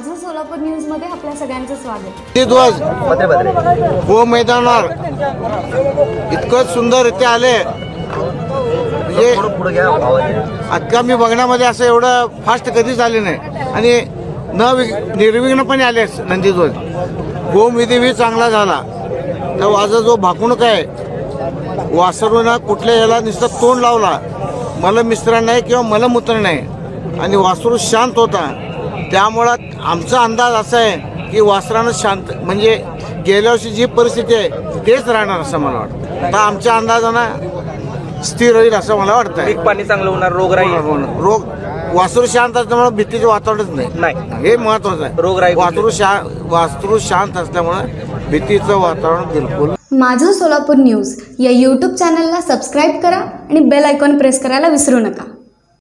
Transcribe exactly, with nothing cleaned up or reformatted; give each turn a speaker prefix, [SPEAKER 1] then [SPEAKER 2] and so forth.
[SPEAKER 1] माझं सोलापूर न्यूज मध्ये आपल्या सगळ्यांचं स्वागत.
[SPEAKER 2] ते ध्वज गो मैदानावर इतकं सुंदररित्या आले म्हणजे आता मी बघण्यामध्ये असं एवढं फास्ट कधीच आले नाही आणि न निर्विघ्नपणे आले नंदीध्वज. गोविधी चांगला झाला तर माझा जो भाकुणक आहे वासरूनं कुठल्या याला नुसतं तोंड लावला, मलमिश्र नाही किंवा मलमूत्र नाही आणि वासरू शांत होता. त्यामुळं आमचा अंदाज असा आहे की वासरानं शांत म्हणजे गेल्या वर्षी जी परिस्थिती आहे तेच राहणार असं मला वाटतं. तर आमच्या अंदाजानं स्थिर होईल असं मला वाटतं.
[SPEAKER 3] पीक पाणी चांगलं होणार, रोगराई
[SPEAKER 2] रोग वासरू शांत असल्यामुळे भीतीचं वातावरणच नाही, हे महत्वाचं आहे.
[SPEAKER 3] रोगराई
[SPEAKER 2] वासरू शा वासरू शांत असल्यामुळे भीतीचं वातावरण बिलकुल.
[SPEAKER 1] माझं सोलापूर न्यूज या यूट्यूब चॅनलला सबस्क्राईब करा आणि बेल आयकॉन प्रेस करायला विसरू नका.